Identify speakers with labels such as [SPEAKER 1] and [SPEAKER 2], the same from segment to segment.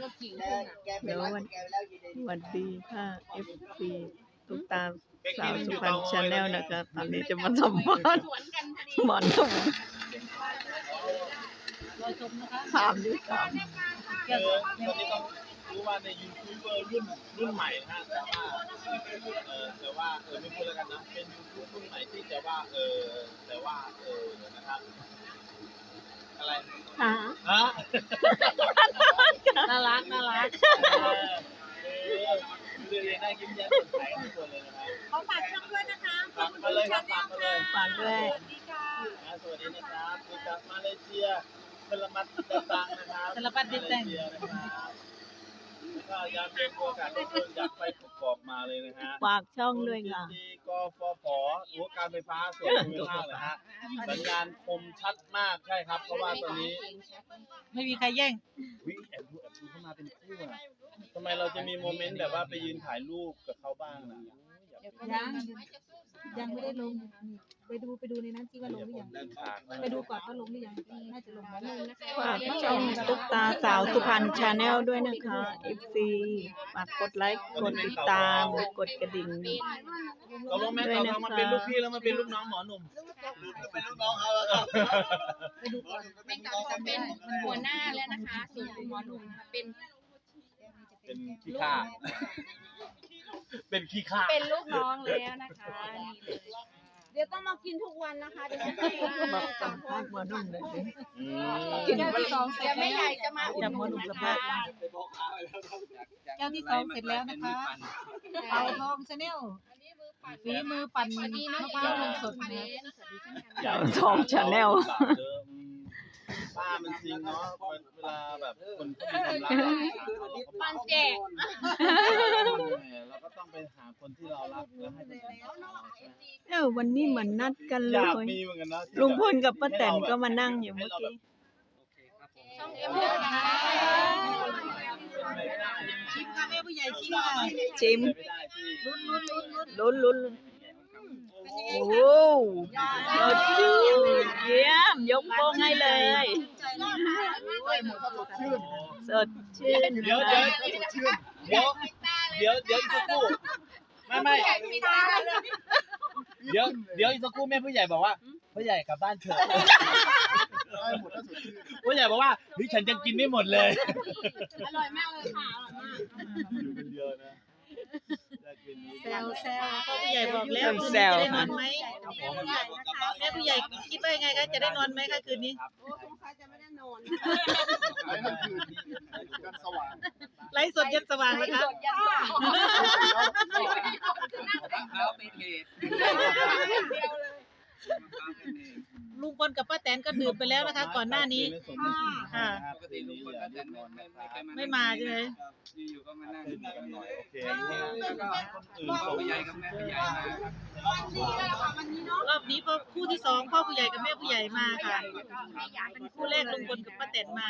[SPEAKER 1] รถเก่งขึ้น
[SPEAKER 2] เดี๋ยววันดีค่ะ FC ตุ๊กตาสาวสุพรรณชาแนลนะคะตอนนี้จะมาสัมภาษณ์หมอนหนุ่มถามด้วยกัน
[SPEAKER 3] ตอนนี้ต้องรู้ว่าในยูทูบเบอร์รุ่นใหม่นะแต่ว่าไม่พูดแล้วกันนะเป็นยูทูบรุ่นใหม่ที่จะว่าแต่ว่านะครับอะไรฮะ
[SPEAKER 1] น่ารัก
[SPEAKER 3] เรียนได้ยิ้มแย้มสดใสทุกคนเลยนะครับ
[SPEAKER 1] ขอฝากช่องด้วยนะคะ
[SPEAKER 3] ฝากมาเลยครับฝากมาเลย
[SPEAKER 2] ฝากด้วย
[SPEAKER 3] สวัสดีนะครับจากมาเลเซียสลามัดดิตังนะครับ
[SPEAKER 1] สารพัดดิตัง
[SPEAKER 3] ก็อยากเป็นโอกาสที่คนอยากไปประกอบมาเลยนะฮะ
[SPEAKER 2] ฝากช่องด้วยค่ะ
[SPEAKER 3] กฟผการไฟฟ้าส่วนภูมิภาคนะฮะสัญญาณคมชัดมากใช่ครับเพราะว่าตอนนี้
[SPEAKER 1] ไม่มีใครแย่ง
[SPEAKER 3] แอบดูเข้ามาเป็นคู่อะทำไมเราจะมีโมเมนต์แบบว่าไปยืนถ่ายรูปกับเขาบ้างนะ
[SPEAKER 1] ยังไม่ได้ลงไปดูในนั้นที่ว่าลงหรือยังไปดูก่อนว่าลงหรือยังน่าจะลงแล้ว
[SPEAKER 2] ฝากช่องตุ๊กตาสาวสุพรรณชาแนลด้วยนะคะ FC ฝากกดไลค์กดติดตามกดกระดิ่ง
[SPEAKER 3] ตกลงแม่ต่อมาเป็นลูกพี่แล้วมาเป็นลูกน้องหมอหนุ่มเป็นลูกน้องเขาแล้ว
[SPEAKER 1] ไปดูก่อนแม่ต่อเป็นหัวหน้าแล้วนะคะส่วนหมอหนุ่มเป็น
[SPEAKER 3] ขี้ข้าเป็นขี้ข้า
[SPEAKER 1] เป็นลูกน้องแล้วนะคะ
[SPEAKER 4] เดี๋ยวต้องมากินทุกวันนะคะเดี๋ยวจะให้
[SPEAKER 2] มาสัมภาษณ์หมอหนุ่มเลยสิ
[SPEAKER 1] กินที่สองเสร็
[SPEAKER 4] เดี๋
[SPEAKER 1] จ
[SPEAKER 4] ยวแม่ใหญ่จะมา
[SPEAKER 2] จะหมอหนุ่มสัมภาษณ์
[SPEAKER 1] แก้วที่สองเสร็จแล้วนะคะเต่าทองชาแนลฝีมือปั่นมะพร้าวนมสดนะ
[SPEAKER 2] เต่าทองชาแนล
[SPEAKER 3] ป้ามันจริงเนาะเวลาแบบคนที่มีความรัก
[SPEAKER 4] ปันแจก
[SPEAKER 3] เราก็ต้องไปหาคนที่เรารักแล้วให้เป็น
[SPEAKER 2] วันนี้เหมือนนัดกันเล
[SPEAKER 3] อยาก
[SPEAKER 2] ย
[SPEAKER 3] มีเหมือนกันนะ
[SPEAKER 2] ลุงพลกับป้าแตนก็มานั่งอยู่เมื่อกี้
[SPEAKER 4] ช่องเอ็มด้วยนะคะ
[SPEAKER 1] ชิมค่ะแม่ผู้ใหญ่ชิมค่ะ
[SPEAKER 2] ชิมลุ้นโอ้โหสดชื่นเยี่ยมยกโป้งให้เลยสดชื่น
[SPEAKER 3] เดี๋ยวอีกสักครู่ไม่เดี๋ยวอีกสักครู่แม่ผู้ใหญ่บอกว่าผู้ใหญ่กลับบ้านเถอะผู้ใหญ่บอกว่าฉันจะกินไม่หมดเลย
[SPEAKER 4] อร่อยมากเลยค่ะอร่อยมาก
[SPEAKER 3] อยู่คนเดียวนะ
[SPEAKER 1] แซวพ่อผู้ใหญ่บอกแล้วคืนนี้จะได้นอนไหมแม่ผู้ใหญ่คิดว่ายังไงคะจะได้นอนไหมคะคืนนี้
[SPEAKER 4] โอ้สงสัยจะไม่ได้นอน
[SPEAKER 1] ไลฟ์สดยันสว่างนะคะลุงพลกับป้าแตนก็ดื่มไปแล้วนะคะก่อนหน้านี้ค่ะไม่มาใช่ไหม
[SPEAKER 3] อยู่ก็มานั่งหน่อยโอเคแล้วก็พ่อผู้ใหญ่กับแม่ผู้ใหญ่ม
[SPEAKER 1] ารอบนี้คู่ที่สองพ่อผู้ใหญ่กับแม่ผู้ใหญ่มาค่ะคู่แรกลุงพลกับป้าแตนมา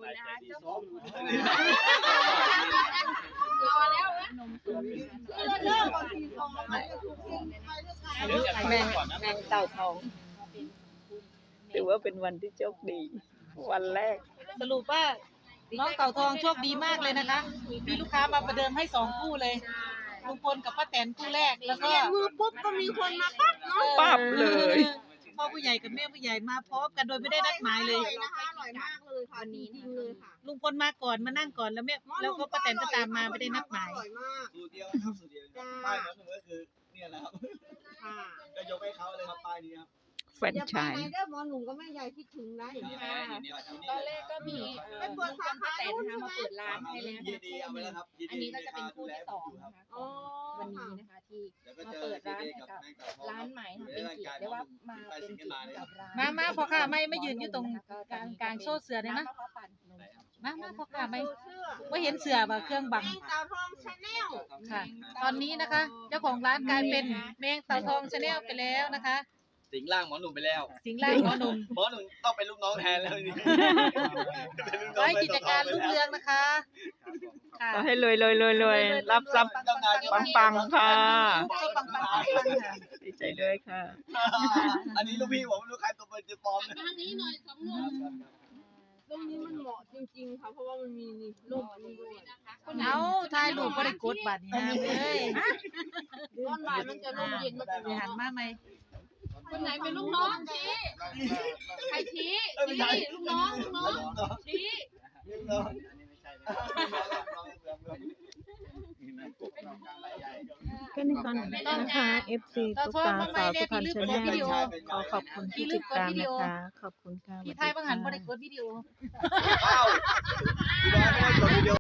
[SPEAKER 2] แมงเต่าทองถือว่าเป็นวันที่โชคดีวันแรก
[SPEAKER 1] สรุปว่าน้องเต่าทองโชคดีมากเลยนะคะมีลูกค้ามาประเดิมให้2คู่เลยลุงพลกับป้าแตนคู่แรกแล้วก็
[SPEAKER 4] มือปุ๊บก็มีคนมาปั๊บเนาะ
[SPEAKER 2] ปั๊บเลย
[SPEAKER 1] พ่อผู้ใหญ่กับแม่ผู้ใหญ่มาพร้อมกันโดยไม่ได้นัดหมายเลย
[SPEAKER 4] นะคะอร่อยมากเลยค่ะดีจริงเลยค่ะ
[SPEAKER 1] ลุงพลมาก่อนมานั่งก่อนแล้วแม่แล้วก็ป้าแตนก็ตามมาไม่ได้นัดหมาย
[SPEAKER 4] อร่อยมาก
[SPEAKER 3] สูตรเดียวครับสูตรเดียวป้ายนั้นก็คือเนี่ยนะครับก็ยกให้เขาเลยครับป้ายนี้ครับ
[SPEAKER 2] แฟนชาย
[SPEAKER 4] เด้อหมอหนุ่มก็แม่ใหญ่คิดถึงได้
[SPEAKER 1] ตอนแรกก็มีลุงพลป้าแตนนะคะมาเปิดร้านให้แล้วอันนี้ก็จะเป็นคู่ที่2นะคะวันนี้นะคะที่มาเปิดร้านให้กับร้านใหม่ค่ะเป็นเกียรติได้ว่ามาเป็นเกียรติกับร้านมาพ่อค่ะไม่ยืนอยู่ตรงกลางโซ่เสือเลยนะมาพ่อค่ะไม่เห็นเสือแบบเครื่องบัง
[SPEAKER 4] แมงเต่าทองชาแนล
[SPEAKER 1] ค่ะตอนนี้นะคะเจ้าของร้านกลายเป็นแมงเต่าทองชาแนลไปแล้วนะคะ
[SPEAKER 3] สิงร่างหมอหนุ่มไปแล้ว
[SPEAKER 1] สิงร่างหมอหนุ่ม
[SPEAKER 3] ต้องเป็นลูกน้องแทนแล้วนี่
[SPEAKER 1] ขอให้กิจการรุ่งเรืองนะคะ
[SPEAKER 2] ขอให้รวยรับทรัพย์ปังค่ะดีใจด้วยค่ะ
[SPEAKER 3] อันนี้ลูกพี่ผมลูกใครตัวเป็นจะปลอม
[SPEAKER 4] ทางนี้หน่อย2 นุ่มตรงนี้มันเหมาะจริงๆค่ะเพราะว่ามันมีร่มอันนี้ด้วย
[SPEAKER 5] ายรูปบ่ได้กดบัตรนี่นะเอ้ย
[SPEAKER 4] ตอนบ่ายมันจะร่มเย็นมา
[SPEAKER 5] สิหันมาไหม
[SPEAKER 4] คนไหนเป็นลูกน้องชี้ใครชี้ลูกน้องชี้
[SPEAKER 2] ก็ในตอนนี้นะคะ FC ตุ๊กตาสาวสุพรรณชาแนลขอขอบคุณที่ติดตามนะคะ ขอบคุณค่ะ
[SPEAKER 5] พี่ไทยบางหันบ่ได้กดวิดีโอ
[SPEAKER 3] อ้าว